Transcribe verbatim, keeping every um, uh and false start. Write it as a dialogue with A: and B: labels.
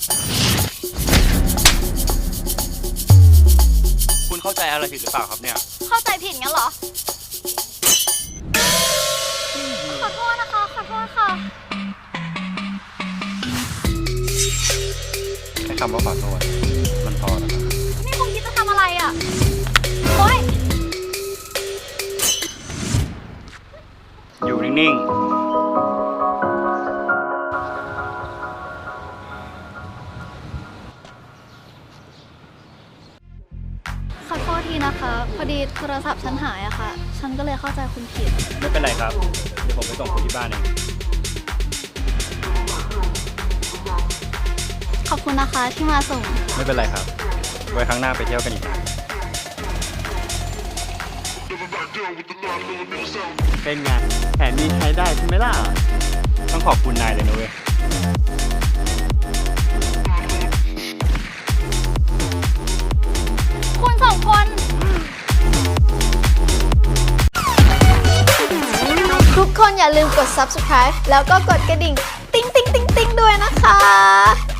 A: คุณเข้าใจอะไรผิดหรือเปล่าครับเนี่ย
B: เข้าใจผิดงั้นเหรอ ขอโทษนะคะ ขอโทษค่ะ
A: แค่คำว่าขอโทษมันพอแล้วครับ
B: นี่คุณคิดจะทำอะไรอ่ะ โอ๊ย
A: อยู่นิ่งๆ
B: ขอโทษทีนะคะ พอดีโทรศัพท์ฉันหายอะค่ะ ฉันก็เลยเข้าใจคุณผิด
A: ไม่เป็นไรครับ เดี๋ยวผมไปส่งคุณที่บ้านเอง
B: ขอบคุณนะคะที่มาส่ง
A: ไม่เป็นไรครับ ไว้ครั้งหน้าไปเที่ยวกันอีกนะเป็นไงแผนนี้ใช้ได้ใช่ไหมล่ะ ต้องขอบคุณนายเลยนะเว้ย
B: คุณสองคน ทุกคนอย่าลืมกด ซับสไครบ์ แล้วก็กดกระดิ่ง ติ๊งติ๊งติ๊งติ๊งด้วยนะคะ